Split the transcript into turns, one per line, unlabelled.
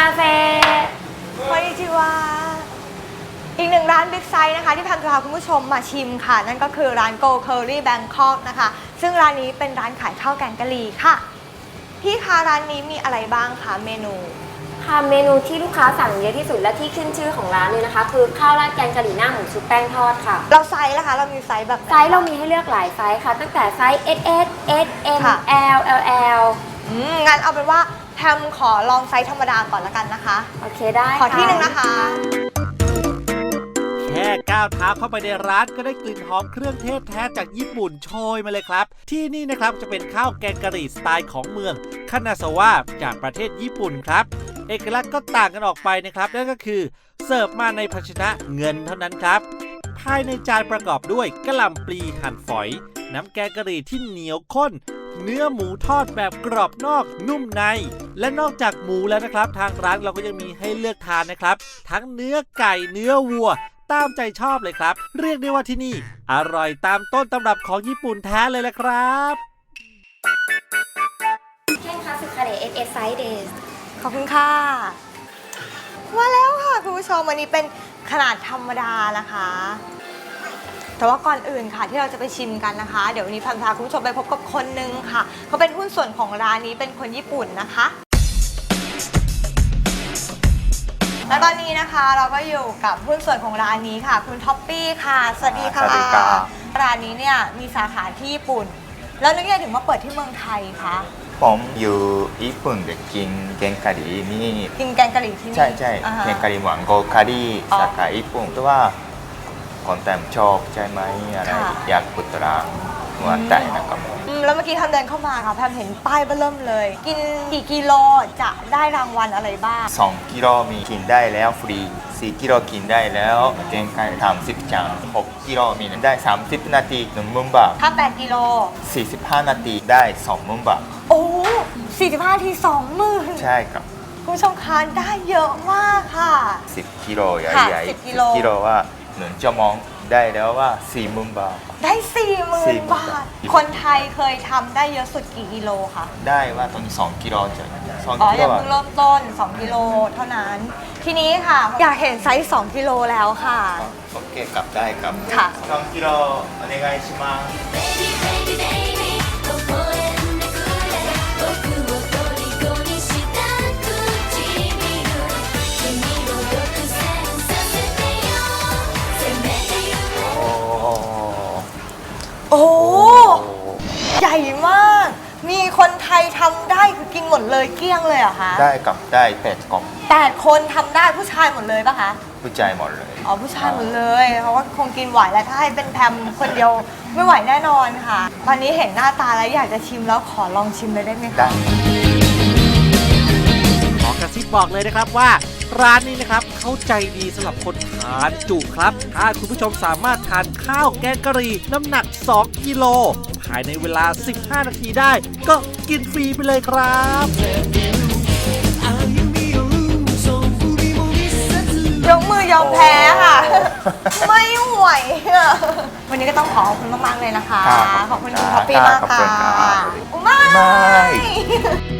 เซ
こんにちはอีกหนึ่งร้านบิ๊กไซส์นะคะที่พันจะพาคุณผู้ชมมาชิมค่ะนั่นก็คือร้าน Go Curry Bangkok นะคะซึ่งร้านนี้เป็นร้านขายข้าวแกงกะหรี่ค่ะพี่คะร้านนี้มีอะไรบ้างคะเมนู
ค่ะเมนูที่ลูกค้าสั่งเยอะที่สุดและที่ขึ้นชื่อของร้านเลยนะคะคือข้าวราดแกงกะหรี่หน้าหมูชุบแป้งทอดค่ะ
เราไซส์นะคะเรามีไซส์แบบ
ไซส์เรามีให้เลือกหลายไซส์ค่ะตั้งแต่ไซส์ S S S M L L L
งั้นเอาเป็นว่าแพมขอลองไซส์ธรรมดาก่อนละกันนะคะ
โอเคได้
ขอที่หนึ่งนะคะ
แค่ก้าวเท้าเข้าไปในร้านก็ได้กลิ่นหอมเครื่องเทศแท้จากญี่ปุ่นโชยมาเลยครับที่นี่นะครับจะเป็นข้าวแกงกะหรี่สไตล์ของเมืองคานาซาวะจากประเทศญี่ปุ่นครับเอกลักษณ์ก็ต่างกันออกไปนะครับนั่นก็คือเสิร์ฟมาในภาชนะเงินเท่านั้นครับภายในจานประกอบด้วยกะหล่ำปลีหั่นฝอยน้ำแกงกะหรี่ที่เหนียวข้นเนื้อหมูทอดแบบกรอบนอกนุ่มในและนอกจากหมูแล้วนะครับทางร้านเราก็ยังมีให้เลือกทานนะครับทั้งเนื้อไก่เนื้อวัวตามใจชอบเลยครับเรียกได้ว่าที่นี่อร่อยตามต้นตำรับของญี่ปุ่นแท้เลยแหละครับ
เช่นคัตสึคาเดะ S S ไซส์เดส
ขอบคุณค่ะมาแล้วค่ะคุณผู้ชมวันนี้เป็นขนาดธรรมดานะคะแต่ว่าก่อนอื่นค่ะที่เราจะไปชิมกันนะคะเดี๋ยววันนี้พันพาคุณผู้ชมไปพบกับคนนึงค่ะเขาเป็นหุ้นส่วนของร้านนี้เป็นคนญี่ปุ่นนะคะและตอนนี้นะคะเราก็อยู่กับหุ้นส่วนของร้านนี้ค่ะคุณท็อปปี้ค่ะสวัสดีค่ะร้านนี้เนี่ยมีสาขาที่ญี่ปุ่นแล้วนึกยังไงถึงมาเปิดที่เมืองไทยคะ
ผมอยู่ญี่ปุ่นเด็กกินแกงกะหรี่นี่
กินแกงกะหรี่ที่นี่
ใช่ใช่แกงกะหรี่หวานโกคารี่สาขาญี่ปุ่นเพราะว่าคนแต่ชอบใช่ไหมอะไรอยากปุตระหัวใจนะครับ
แล้วเมื่อกี้ทำเดินเข้ามาค่ะแพมเห็นป้ายเบิ่มเลยกินกี่กิโลจะได้รางวัลอะไรบ้าง
2 กิโลมีกินได้แล้วฟรี4 กิโลกินได้แล้วแกงไก่30 จาน6 กิโลมีได้30 นาที10,000 บาท
ถ้า8 กิโล
45 นาทีได้20,000 บาท
โอ้45 นาที 20,000
ใช่ครับ
คุณผู้ชมคะได้เยอะมากค่ะ
10 กิโลใหญ่ๆ10 กิโลว่า1 ชั่วโมงได้แล้วว่า40,000 บาท
ได้ 40,000 บาทคนไทยเคยทำได้เยอะสุดกี่กิโลคะ
ได้ว่าตอนนี้2 กิโลจะ
2 กิโลยังเพิ่งเริ่มต้น2 กิโลเท่านั้นทีนี้ค่ะอยากเห็นไซส์2 กิโลแล้วค่ะ
โอเคกลับได้ครับ
ค่ะ
2 กิโลお願いします
โอ้ใหญ่มากมีคนไทยทำได้คือกินหมดเลยเกลี้ยงเลยเหรอคะ
ได้กับได้8 กล่อง
8 คนทำได้ผู้ชายหมดเลยปะคะ
ผู้ชายหมดเลย
อ๋อผู้ชายหมดเลยเพราะว่าคงกินไหวแล้วถ้าให้เป็นแพมคนเดียวไม่ไหวแน่นอนค่ะตอนนี้เห็นหน้าตาแล้วอยากจะชิมแล้วขอลองชิมเลยได้ไหมคะ
ขอกระซิบบอกเลยนะครับว่าร้านนี้นะครับเข้าใจดีสำหรับคนทานจุครับถ้าคุณผู้ชมสามารถทานข้าวแกงกะหรี่น้ำหนัก2 กิโลภายในเวลา15 นาทีได้ก็กินฟรีไปเลยครับ
ยกมือยอมแพ้ค่ะไม่ไหววันนี้ก็ต้องขอบคุณมากๆเลยนะคะขอบคุณคุณท็อปปี้มากค่ะ
ไม่